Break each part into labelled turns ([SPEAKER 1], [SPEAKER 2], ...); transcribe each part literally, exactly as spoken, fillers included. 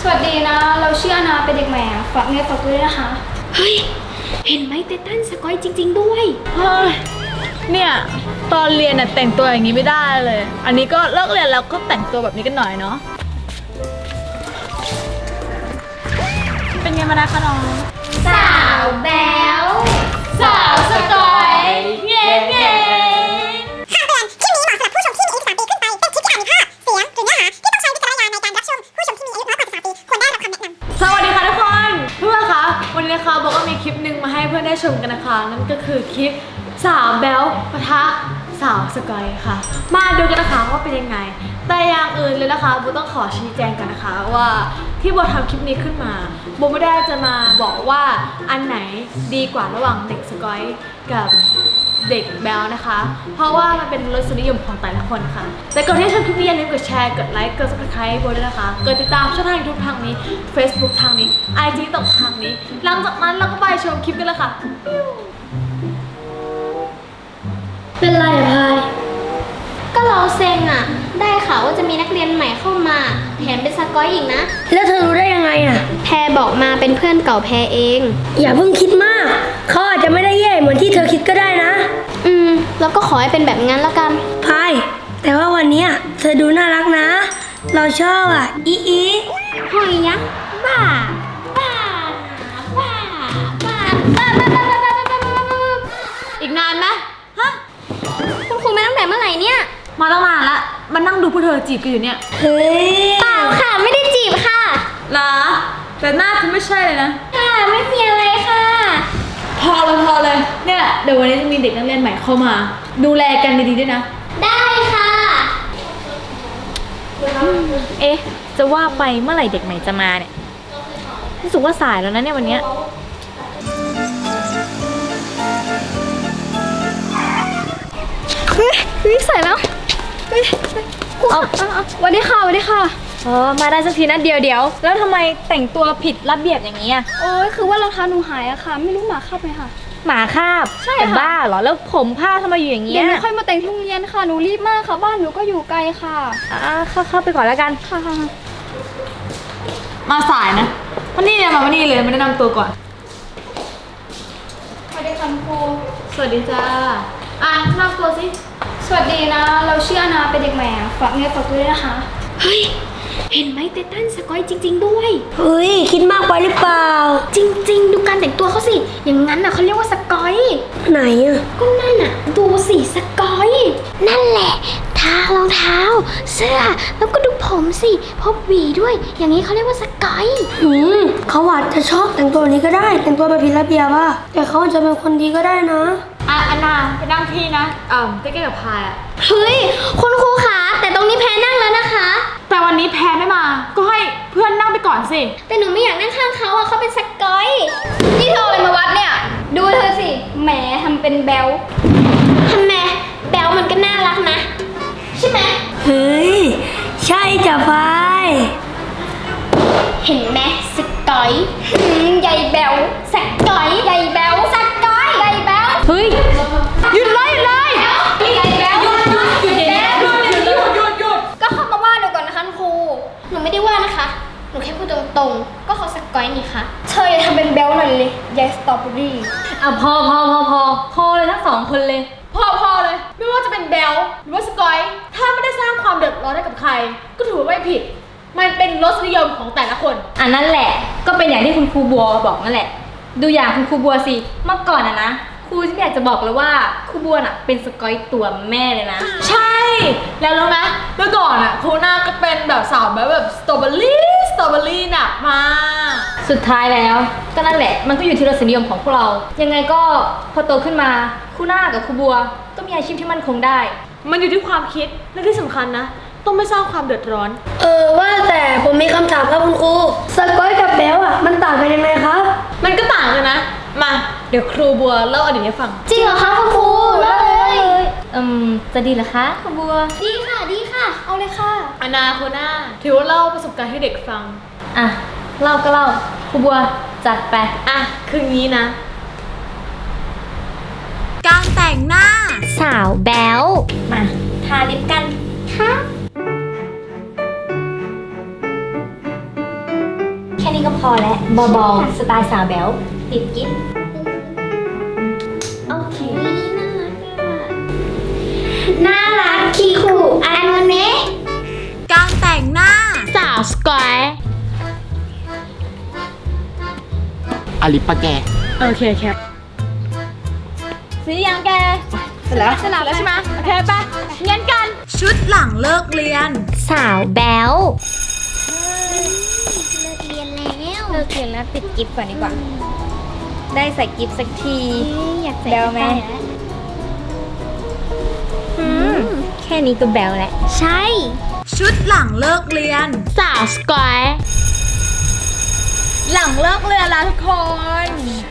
[SPEAKER 1] วัสดีนะเราชื่ออนาเป็นเด็กใหม่ฝากเงินฝากตัวด้วยนะคะเฮ้ยเห็นไหมไททันสกอยจริงๆด้วย
[SPEAKER 2] เฮ้ยเนี่ยตอนเรียนน่ะแต่งตัวอย่างนี้ไม่ได้เลยอันนี้ก็เลิกเรียนแล้วก็แต่งตัวแบบนี้กันหน่อยเนาะเป็นไงมานะคะน้อง
[SPEAKER 1] สาวแบ๊วสาวสกอยเงี้ยเงี้ย
[SPEAKER 3] คำเตือนคลิปนี้เหมาะสำหรับผู้ชมที่มีอายุสิบสามปีขึ้นไป เป็นคลิปที่อาจมีภาพ เสียง หรือเนื้อหาที่ต้องใช้วิจารณญาณในการรับชม ผู้ชมที่มีอายุน้อยกว่าสิบสามปีควรได้รับคำแนะนำ
[SPEAKER 2] สวัสดีค่ะทุกคนเพื่อนคะวันนี้นะคะบอกว่ามีคลิปหนึ่งมาให้เพื่อนได้ชมกันนะคะนั่นก็คือคลิปสาวแบ๊วปะทะสาวสกอยค่ะมาดูกันนะคะว่าเป็นยังไงแต่อย่างอื่นเลยนะคะโบต้องขอชี้แจงกันนะคะว่าที่โบทำคลิปนี้ขึ้นมาโบไม่ได้จะมาบอกว่าอันไหนดีกว่าระหว่างเด็กสกอยกับเด็กแบลนะคะเพราะว่ามันเป็นรสนิยมของแต่ละคนค่ะแต่ก่อนที่จะชมคลิปนี้อย่าลืมกดแชร์กดไลค์กด ซับสไครบ์ โบด้วยนะคะกดติดตามช่องทาง ยูทูบ ทางนี้ Facebook ทางนี้ ไอ จี ตกทางนี้หลังจากนั้นเราก็ไปชมคลิปกันเลยค่ะ
[SPEAKER 1] เป็นไรอะพาย
[SPEAKER 4] ก็เราเซ็งอะได้ข่าวว่าจะมีนักเรียนใหม่เข้ามาแถมเป็นสกอยอีกนะ
[SPEAKER 5] แล้วเธอรู้ได้ยังไงอะ
[SPEAKER 4] แพรบอกมาเป็นเพื่อนเก่าแพรเอง
[SPEAKER 5] อย่าเพิ่งคิดมากเขาอาจจะไม่ได้แย่เหมือนที่เธอคิดก็ได้นะ
[SPEAKER 4] อืมแล้วก็ขอให้เป็นแบบนั้นละกัน
[SPEAKER 5] พายแต่ว่าวันนี้เธอดูน่ารักนะเราชอบอ่ะอีอี
[SPEAKER 4] หอยยักษ์บ้าบ้าบ้าบ้าบ้าบ้าบ้าบ้าบ้าบ้าบ้า
[SPEAKER 2] อีกนานไหมฮะ
[SPEAKER 4] คุณครูมาตั้งแต่เมื่อไหร่เนี่ย
[SPEAKER 2] มาตั้งนานละมานั่งดูพวกเธอจีบกันอยู่เนี่ย
[SPEAKER 5] เฮ้ย
[SPEAKER 4] เปล่าค่ะไม่ได้จีบค่ะ
[SPEAKER 2] เหรอแต่หน้าเธอไม่ใช่เลยนะ
[SPEAKER 4] ค่ะไม่มีอะไรค่ะ
[SPEAKER 2] พอเลยพอเลยเนี่ยเดี๋ยววันนี้จะมีเด็กนักเรียนใหม่เข้ามาดูแลกันดีๆด้วยนะ
[SPEAKER 4] ได้ค่ะ
[SPEAKER 2] เอ๊ะจะว่าไปเมื่อไหร่เด็กใหม่จะมาเนี่ยรู้สึกว่าสายแล้วนะเนี่ยวันนี้
[SPEAKER 1] เฮ้ยเฮ้ยใส่แล้วเฮ้ยเอาวันนี้ค่ะวันนี้ค่ะ
[SPEAKER 2] เออมาได้สักทีนะเดียวเดียวแล้วทำไมแต่งตัวผิดระเบียบอย่างนี้อ่ะ
[SPEAKER 1] โอ้ยคือว่ารองเท้าหนูหายอะค่ะไม่รู้หมาคาบไหมค่ะ
[SPEAKER 2] หมาคาบ
[SPEAKER 1] ใช่ค่ะ
[SPEAKER 2] บ้าเหรอแล้วผมผ้าทำไมอยู่อย่างเงี้ย
[SPEAKER 1] เดี๋ยวหนูค่อยมาแต่งที่โรงเรียนค่ะหนูรีบมากค่ะบ้านหนูก็อยู่ไกลค่ะ
[SPEAKER 2] อ่าเข้าเข้าไปก่อนแล้วกัน
[SPEAKER 1] ค่ะ
[SPEAKER 2] มาสายนะวันนี้เนี่ยมาวันนี้เลยมาแนะนำตัวก่อน
[SPEAKER 1] สวัสดีค่ะครู
[SPEAKER 2] สวัสดีจ้าอ่ะแนะนำตัวสิ
[SPEAKER 1] สวัสดีนะเราชื่ออนาเป็นเด็กใหม่ฝากเงินฝากตัวด้วยนะคะเฮ้ยเห็นไหมไททันสกอยจริงๆด้วย
[SPEAKER 5] เฮ้ยคิดมากไปหรือเปล่า
[SPEAKER 1] จริงๆดูการแต่งตัวเขาสิอย่างนั้นน่ะเขาเรียกว่าสกอย
[SPEAKER 5] ไหนอ่ะ
[SPEAKER 1] ก็นั่นน่ะดูสิสกอย
[SPEAKER 4] นั่นแหละทารองเท้าเสื้อแล้วก็ดูผมสิพบหวีด้วยอย่างนี้เขาเรียกว่าสกอย
[SPEAKER 5] อืมเขาอาจจะชอบแต่งตัวนี้ก็ได้แต่งตัวแบบผิดระเบียบอะแต่เขาอาจจะเป็นคนดีก็ได้นะ
[SPEAKER 2] อ่ะอันนาไปนั่งที่นะอ่าใกล้ๆกับพายอ่ะ
[SPEAKER 4] เฮ้ยคุณครูคะแต่ตรงนี้แพรนั่งแล้วนะคะ
[SPEAKER 2] แต่วันนี้แพรไม่มาก็ให้เพื่อนนั่งไปก่อนสิ
[SPEAKER 4] แต่หนูไม่อยากนั่งข้างเขาอะเขาเป็นสกอย
[SPEAKER 1] นี่เธออะไรมาวัดเนี่ยดูเธอสิแหมทำเป็นแบล
[SPEAKER 4] ทำไมแบลมันก็น่ารักนะใช่ไหม
[SPEAKER 5] เฮ้ยใช่จ้ะพาย
[SPEAKER 4] เห็นไหมสกอย
[SPEAKER 1] ใหญ่แบล
[SPEAKER 4] สกอย
[SPEAKER 1] ใหญ่แบล
[SPEAKER 4] สกอย
[SPEAKER 1] ใหญ่แบล
[SPEAKER 2] เฮ้ยหยุดเลยเลย
[SPEAKER 1] ใหญ่แบล
[SPEAKER 2] หยุดหยุดหยุดหยุดหยุดหยุดหยุดหยุดหยุด
[SPEAKER 1] ก็เข้ามาว่าหนูก่อนนะคะครู
[SPEAKER 4] หนูไม่ได้ว่านะคะหนูแค่พูดตรงๆก็เขาสกอยนี่คะ
[SPEAKER 1] เธออย่าทำเป็นแบลหน่อยเลยยายสตรอเบอรี่
[SPEAKER 2] อ่ะพอพอพอพอพอเลยทั้งสองคนเลยพอพอเลยไม่ว่าจะเป็นแบลหรือว่าสกอยถ้าไม่ได้สร้างความเดือดร้อนให้กับใครก็ถือว่าไม่ผิดมันเป็นรสนิยมของแต่ละคน
[SPEAKER 6] อันนั้นแหละก็เป็นอย่างที่คุณครูบัวบอกนั่นแหละดูอย่างคุณครูบัวสิเมื่อก่อนอะนะครูที่อยากจะบอกเลยว่าครูบัวน่ะเป็นสกอยตัวแม่เลยนะ
[SPEAKER 2] ใช่แล้วรู้ไหมเมื่อก่อนอะครูน่าก็เป็นแบบสาวแบบแบบสตรอเบอรี่สตรอเบอรี่หนักมาก
[SPEAKER 6] สุดท้ายแล้วก็นั่นแหละมันก็อยู่ที่รสนิยมของพวกเรายังไงก็พอโตขึ้นมาครูน่ากับครูบัวก็มีอาชีพที่มั่นคงได้
[SPEAKER 2] มันอยู่ที่ความคิดและที่สำคัญนะต้องไม่สร้างความเดือดร้อน
[SPEAKER 5] เออว่าแต่ผมมีคำถามครับคุณครูสกอยกับแบลอ่ะมันต่างกันยังไงครับ
[SPEAKER 2] มันก็ต่างกันนะมาเดี๋ยวครูบัวเล่าอดีตให้ฟัง
[SPEAKER 4] จริงเหรอคะคุณครูเล่าเลย
[SPEAKER 6] อืมจะดีเหรอคะครูบัว
[SPEAKER 4] ดีค่ะดีค่ะเอาเลยค่ะ
[SPEAKER 2] อนาโคน่าถือว่าเล่าประสบการณ์ให้เด็กฟัง
[SPEAKER 6] อ่ะเล่าก็เล่าครูบัวจัดไป
[SPEAKER 2] อ่ะคืองี้นะการแต่งหน้า
[SPEAKER 4] สาวแบ๊ว
[SPEAKER 6] มาทาลิปกัน
[SPEAKER 4] ค่ะค่นี้ก็พอแล้วเบาๆสไตล์สาวแบ๊วติดกิ๊บโอเคน่ารักคีคูอันวันนี้
[SPEAKER 2] การแต่งหน้า
[SPEAKER 4] สาวสกอย
[SPEAKER 7] อลิปปะแก
[SPEAKER 2] โอเคแคปสียังแกเสร็จแล้วเสร็จแล้วใช่ไหมโอเคปะเงี้ยกันชุดหลังเลิกเรียน
[SPEAKER 4] สาวแบ๊ว
[SPEAKER 1] เลิกเรียนแล้ว
[SPEAKER 6] เลิกเรียนแล้วติดกิฟต์ก่อนดีกว่า ได้ใส่กิฟต์สักที
[SPEAKER 1] อยากใส่
[SPEAKER 6] แบลไหม อืม แค่นี้ก็แบลแล้ว
[SPEAKER 1] ใช่
[SPEAKER 2] ชุดหลังเลิกเรียน
[SPEAKER 4] สาวสกอย
[SPEAKER 2] หลังเลิกเรียนแล้วทุกคน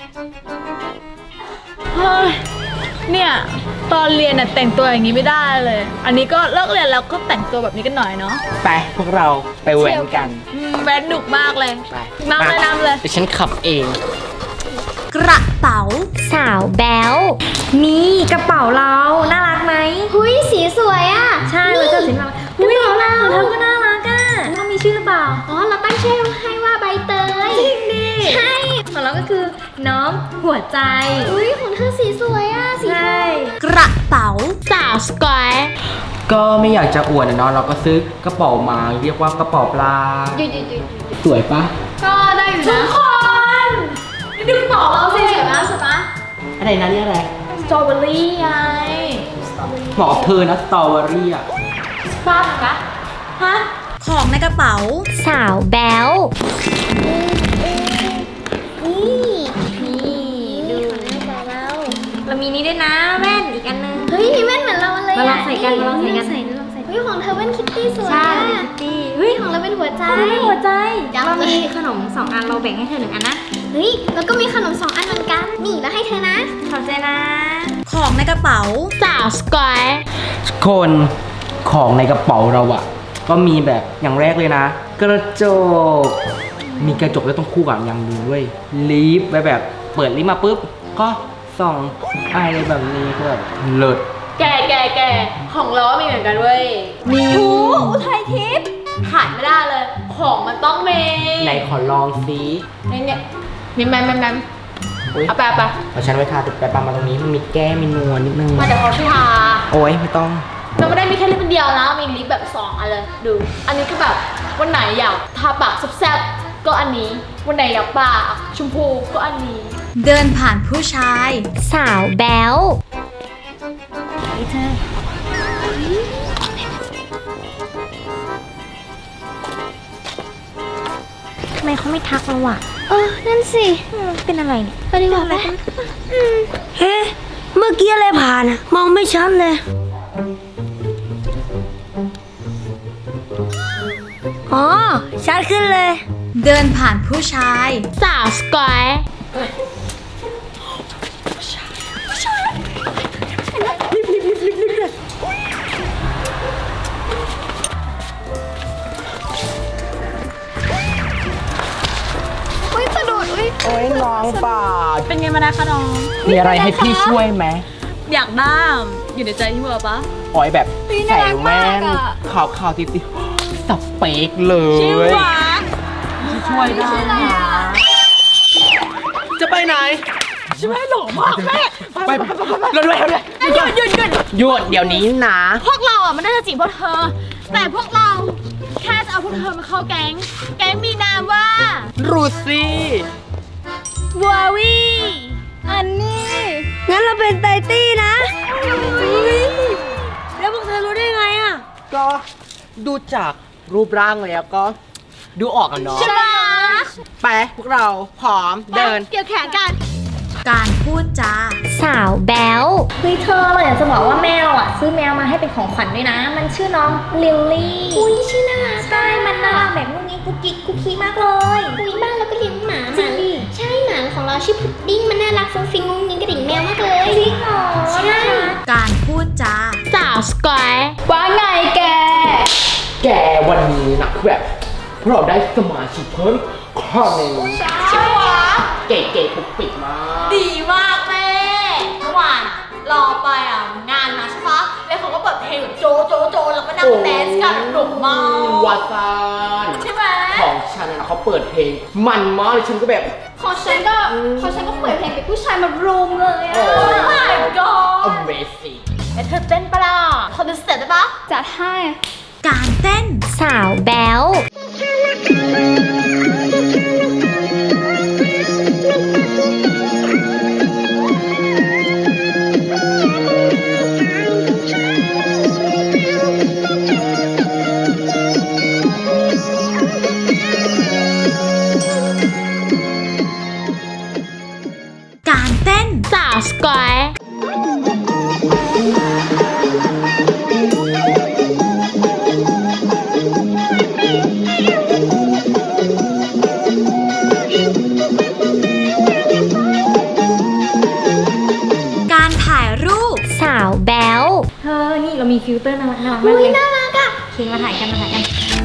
[SPEAKER 2] เฮ้ยเนี่ยตอนเรียนน่ะแต่งตัวอย่างนี้ไม่ได้เลย อันนี้ก็เลิกเรียนแล้วก็แต่งตัวแบบนี้กันหน่อยเนาะ
[SPEAKER 7] ไปพวกเราไปแว้นกัน
[SPEAKER 2] อืมแบรนด์หนุกมากเลย
[SPEAKER 7] ไป
[SPEAKER 2] นำเลยนำเลย
[SPEAKER 7] เดี๋ยวฉันขับเอง
[SPEAKER 2] กระเป๋า
[SPEAKER 4] สาวแบ๊ว
[SPEAKER 6] นี่กระเป๋าเรา น่ารักไหม
[SPEAKER 1] หุยสีสวยอ่ะ
[SPEAKER 6] ใช่เราเจอสินมาอุ้ยของเราเธอก็น่ารักอ่ะต้องมีชื่อหรือเปล่า
[SPEAKER 1] อ๋อ เราตั้งชื่อให้ว่าใบเตย
[SPEAKER 6] จริงดิ
[SPEAKER 1] ใช่
[SPEAKER 6] ของเราก็คือน้องหัวใจ
[SPEAKER 1] อุ้ยของเธอสีสวยอ่ะ สี
[SPEAKER 6] ใช่
[SPEAKER 2] กระเป๋า
[SPEAKER 4] สาวสกอย
[SPEAKER 7] ก็ไม่อยากจะอวดนะเนาะเราก็ซื้อกระเป๋ามาเรียกว่ากระเป๋าปลา
[SPEAKER 1] หยุดหยุดหยุด
[SPEAKER 7] สวยปะ
[SPEAKER 1] ก็ได้อยู่
[SPEAKER 2] ทุ
[SPEAKER 1] นะ
[SPEAKER 2] กคนนี่ดูกระเป๋าเราสิสวยนะสวยนะ
[SPEAKER 7] อะไรนะนี่อะไร
[SPEAKER 2] สตรอเบอรี่ไง
[SPEAKER 7] เหมาะกับเธอนะสตรอเบอรี่อ่ะ
[SPEAKER 2] ป้าคะฮะของในกระเป๋า
[SPEAKER 4] สาวแบ๊ว
[SPEAKER 1] นี่ดูของเรา
[SPEAKER 6] เรามีนี้ด้วยนะแว่นอีกอันนึง
[SPEAKER 1] เฮ้ยมีแว่นเหมือนเราเลย
[SPEAKER 6] มาลองใส่กันมาลองใส่กัน
[SPEAKER 1] ใส่ลองใส่เฮ้ยของเธอแว่นคิตตี้สวย
[SPEAKER 6] ใช่
[SPEAKER 1] อะ
[SPEAKER 6] คิตตี้
[SPEAKER 1] เฮ้ยของเราเป็นหัวใจ
[SPEAKER 6] หัวใจ
[SPEAKER 1] จัง
[SPEAKER 6] เรา
[SPEAKER 1] เลย
[SPEAKER 6] มีขนมสองอันเราแบ่งให้เธอหนึ่งอันนะ
[SPEAKER 1] เฮ้ยแล้วก็มีขนมสองอันเหมือนกัน นี่แล้วให้เธอนะ
[SPEAKER 6] ขอบใจนะ
[SPEAKER 2] ของในกระเป๋า
[SPEAKER 4] สาวสกอย
[SPEAKER 7] คนของในกระเป๋าเราอะก็มีแบบอย่างแรกเลยนะ กระจก มีกระจกแล้วต้องคู่กับอย่างหนึงด้วยลิฟต์ไว้แบบเปิดลิฟต์มาปุ๊บ ก็ส่องอะไรแบบนี้ก็แบบเลิศ
[SPEAKER 2] แกแกแกของเราก็มีเหมือนกันเว้ย มีหูอุทัยทิพย์ขาดไม่ได้เลย ของมันต้องมี
[SPEAKER 7] ไหนขอลองซิ
[SPEAKER 2] นี่เนี่ยนี่แมมแมมแมม
[SPEAKER 7] อุ๊ย
[SPEAKER 2] เอาไปเอาไป
[SPEAKER 7] เอาฉันไว้ทาติดไปปามาตรงนี้มันมีแก้มมีนวลนิดนึง
[SPEAKER 2] มาเดี๋ยวเขาช่วยทา
[SPEAKER 7] โอ้ยไม่ต้อง
[SPEAKER 2] เราไม่ได้มีแค่ลิปอันเดียวนะ มีลิปแบบสองอันเลย ดู อันนี้ก็แบบวันไหนอยากทาปากแซ่บๆก็อันนี้ วันไหนอยากปากชมพูก็อันนี้ เดินผ่านผู้ชาย
[SPEAKER 4] สาวแบ๊ว
[SPEAKER 6] ทำไมเขาไม่ทักเราอ่ะ
[SPEAKER 1] เออ นั่นสิ
[SPEAKER 6] อืมเป็นอะไรเนี่ย
[SPEAKER 1] ไปดีกว่าไหม
[SPEAKER 5] เฮ้เมื่อกี้อะไรผ่านอะมองไม่ชัดเลย อ๋อ ชัดขึ้นเลย
[SPEAKER 2] เดินผ่านผู้ชาย
[SPEAKER 4] สาวสกอย
[SPEAKER 1] อุ้ยสะดุดอุ้ย
[SPEAKER 7] โอ้ยน้องปาด
[SPEAKER 2] เป็นไงมานะคะน้อง
[SPEAKER 7] มีอะไรให้พี่ช่วยไหม
[SPEAKER 2] อยากได้อยู่ในใจที่เบอร์ปะ
[SPEAKER 7] โอ้ยแบบใส่แว่นขาวขาวๆติดติสเปกเลย
[SPEAKER 2] ชื่อหวาน
[SPEAKER 7] ช่วยได้นะจะไปไหน
[SPEAKER 2] ใช่ไหมหล่อมากแม่
[SPEAKER 7] ไปไปไปไปเราด้วยเราด้วย
[SPEAKER 2] หยุดหยุดหยุด
[SPEAKER 7] หยุดเดี๋ยวนี้นะ
[SPEAKER 2] พวกเราอ่ะมันน่าจะจีบพวกเธอ แต่พวกเราแค่จะเอาพวกเธอมาเข้าแก๊ง แก๊งมีนามว่า
[SPEAKER 7] รูซี่
[SPEAKER 2] วาวีอันนี้
[SPEAKER 5] งั้นเราเป็นไตตี้นะแล้วพวกเธอรู้ได้ไงอะ
[SPEAKER 7] ก็ดูจากรูปร่างแล้วก็ ดูออกกันเนาะ
[SPEAKER 2] ใช่ไหม
[SPEAKER 7] ไปพวกเราพร้อมเดิน
[SPEAKER 2] เกี่ยวแขนกัน การพูดจา
[SPEAKER 4] สาวแบ๊ว
[SPEAKER 6] เฮ้ยเธอเราอยากจะบอกว่าแม่เราอ่ะซื้อแมวมาให้เป็นของขวัญด้วยนะ มันชื่อน้องลิลลี่
[SPEAKER 1] อุ้ยชื่อน่ารัก
[SPEAKER 6] ใช่ มันน่ารักแบบงูงี้กุ๊กกิ๊กกุ๊กกิ๊กมากเลย
[SPEAKER 1] อุ้ยบ้านเราก็เลี้ยงหมา
[SPEAKER 6] จริงดิ
[SPEAKER 1] ใช่หมาของเราชื่อพุดดิ้งมันน่ารักฟุ้งฟิ้งงุ้งงิ้งกระดิ่งแมวมากเลย
[SPEAKER 6] จริงเหรอ
[SPEAKER 1] ใช่
[SPEAKER 2] การพูดจา
[SPEAKER 4] สาวสกอย
[SPEAKER 2] ว่าไงแก
[SPEAKER 7] แกวันนี้นะคือแบบพวกเราได้สมาชิกเพิ่มข้อหนึ่ง
[SPEAKER 2] ใช่หวะ
[SPEAKER 7] เก๋ๆปุกปิดมาก
[SPEAKER 2] ดีมากแม่เมื่อวานอะรอไปอ่ะงานมาใช่ปะแล้วเขาก็เปิดเพลงแบบโจโจโจแล้วก็นั่งแดนซ์กันหนุ่มมาก
[SPEAKER 7] วาซาน
[SPEAKER 2] ใช่ไหม
[SPEAKER 7] ของฉฉันนะเขาเปิดเพลงมันมากเลยฉันก็แบบ
[SPEAKER 1] ของฉันก็ของฉันก็เปิดเพลงเป็นผู้ชายมารุมเลยอะ
[SPEAKER 7] โอ้
[SPEAKER 2] my god
[SPEAKER 7] Amazing
[SPEAKER 2] เอ้เธอเต้นปะล่ะขอดูสเต็ปได้ปะ
[SPEAKER 1] จัดให้
[SPEAKER 4] การเต้นสาวแบ๊ว การเต้นสาวสกอยการถ่ายรูปสาวแบ๊ว
[SPEAKER 6] เธอ นี่เรามีฟิลเตอร์น่ารักน่ารักมากเลยน่ารักอ่ะโอเคมาถ่ายกันมาถ่ายกัน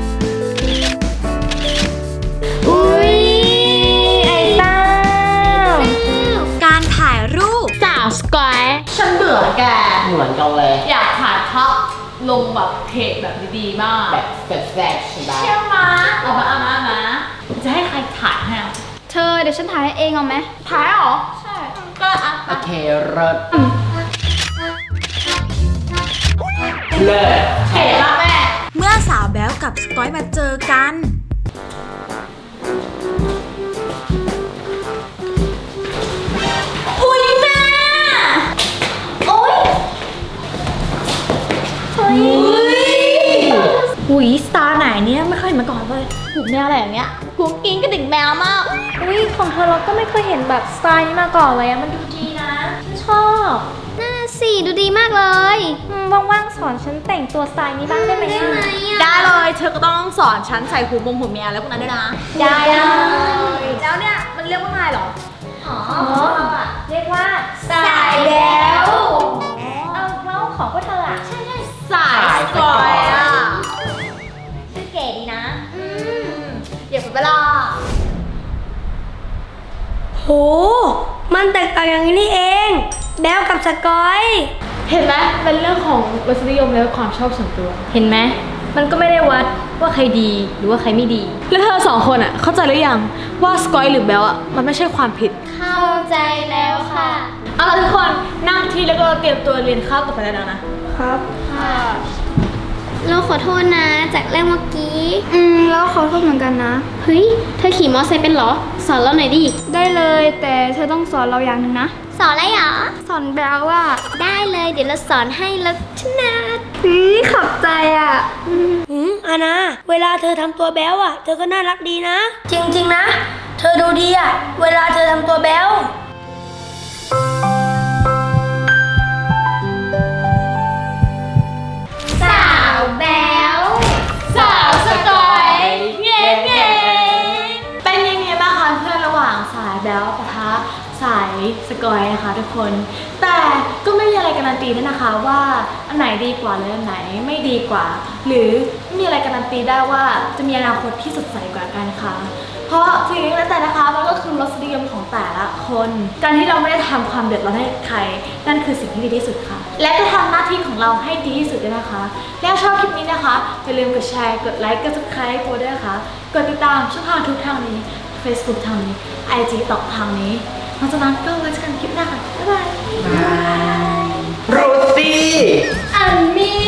[SPEAKER 4] อุ้ยไอ้ต้า การถ่ายรูปสาวสกอย
[SPEAKER 2] ฉันเบื่อแก
[SPEAKER 7] เหมือนกันเลย
[SPEAKER 2] อยากถ่ายภาพลงแบบเพจแบบดีๆมาก
[SPEAKER 7] แบบแซ่บๆใช่ไหม
[SPEAKER 2] เชื่อมาเอามาเอามาเอามาจะให้ใครถ่ายให้อ่ะ
[SPEAKER 1] เธอเดี๋ยวฉันถ่ายให้เองเอาไหม
[SPEAKER 2] ถ่ายเหรอ ใช่ ก็อ่ะ
[SPEAKER 7] โอเคเลิศเลิศ
[SPEAKER 2] เห็นละแม่
[SPEAKER 4] เมื่อสาวแบ๊วกับสกอยมาเจอกัน
[SPEAKER 2] อุ้ยแม่โอ๊ยเฮ้ย
[SPEAKER 6] หุยสตาร์ไหนเนี่ยไม่เคยเห็นมาก่อนเลย
[SPEAKER 2] หูแมวอะไรอย่างเงี้ยกูกินกระดิ่งแมวมาก
[SPEAKER 6] อุ้ยของเธอเราก็ไม่เคยเห็นแบบสไตล์นี้มาก่อนเลยอะมันดูดีนะฉันชอบ
[SPEAKER 1] น่าสิดูดีมากเลย
[SPEAKER 6] อืมว่างๆสอนฉันแต่งตัวสไตล์นี้บ้างได้ไหมอะ
[SPEAKER 2] ได้เลย เธอก็ต้องสอนฉันใส่หูมงหูแมวแล้วพวกนั้นด้วยนะ
[SPEAKER 6] ได้เลย
[SPEAKER 2] แล้วเนี่ย มันเรียกว่าไงเหรอ
[SPEAKER 6] อ๋อเรียกว่า
[SPEAKER 2] สายแบ๊ว
[SPEAKER 6] เอาแล้วของพวกเธออะใช่ใช่
[SPEAKER 2] สายสกอยอ่ะ
[SPEAKER 6] ชื่อเก๋ดีนะ
[SPEAKER 2] อย่าไปเวลา
[SPEAKER 5] โห มันแตกต่างอย่างนี้นี่เอง แบ๊วกับสกอย
[SPEAKER 2] เห็นไหมเป็นเรื่องของรสนิยมและความชอบส่วนตัว
[SPEAKER 6] เห็นไหมมันก็ไม่ได้วัดว่าใครดีหรือว่าใครไม่ดี
[SPEAKER 2] แล้วเธอสองคนอ่ะ เข้าใจหรือยังว่าสกอยหรือแบลอ่ะ มันไม่ใช่ความผิด
[SPEAKER 1] เข้าใจแล้วค่ะ
[SPEAKER 2] เอาล่ะทุกคนนั่งที่แล้วก็เตรียมตัวเรียนข้าวต่อไปแล้วนะ
[SPEAKER 5] ครับ
[SPEAKER 4] เราขอโทษนะจากเรื่องเมื่อกี้
[SPEAKER 1] อืมแล้วขอโทษเหมือนกันนะ
[SPEAKER 4] เฮ้ย เธอขี่มอไซค์เป็นเหรอ สอนเราหน่อยดิ
[SPEAKER 1] ได้เลยแต่เธอต้องสอนเราอย่างหนึ่งนะ
[SPEAKER 4] สอนอะไรหรอ
[SPEAKER 1] สอนแบลว่า
[SPEAKER 4] ได้เลย เดี๋ยวเราสอนให้แล้วชนะ
[SPEAKER 1] นี่ขอบใจอ่ะ
[SPEAKER 5] อืมอานาเวลาเธอทำตัวแบ๊วอ่ะ เธอก็น่ารักดีนะ จริงๆนะ เธอดูดีอ่ะ เวลาเธอทำตัวแบ๊ว
[SPEAKER 1] สาวแบล
[SPEAKER 2] สาวสกอยเงี้ยเงี้ยเป็นยังไงบ้างคะเพื่อนระหว่างสายแบลปะทะสายสกอยนะคะทุกคน แต่ก็ไม่มีอะไรการันตีด้วยนะคะว่าอันไหนดีกว่าหรืออันไหนไม่ดีกว่า หรือไม่มีอะไรการันตีได้ว่าจะมีอนาคตที่สดใสกว่ากันค่ะ เพราะถึงแล้วแต่นะคะมันก็คือรสนิยมของแต่ละคน การที่เราไม่ได้ทำความเดือดร้อนให้ใครนั่นคือสิ่งที่ดีที่สุดค่ะ และก็ทำหน้าที่ของเราให้ดีที่สุดด้วยนะคะ และชอบคลิปนี้นะคะอย่าลืมกดแชร์กดไลค์กด subscribe ตัวด้วยนะคะกดติดตามช่องทางทุกทางนี้ Facebook ทางนี้ ไอ จี ตอกทางนี้หลังจากนั้นก็ไว้เจอกันคลิปหน้าค่ะบ๊ายบาย
[SPEAKER 7] โรซี่
[SPEAKER 2] อันมี่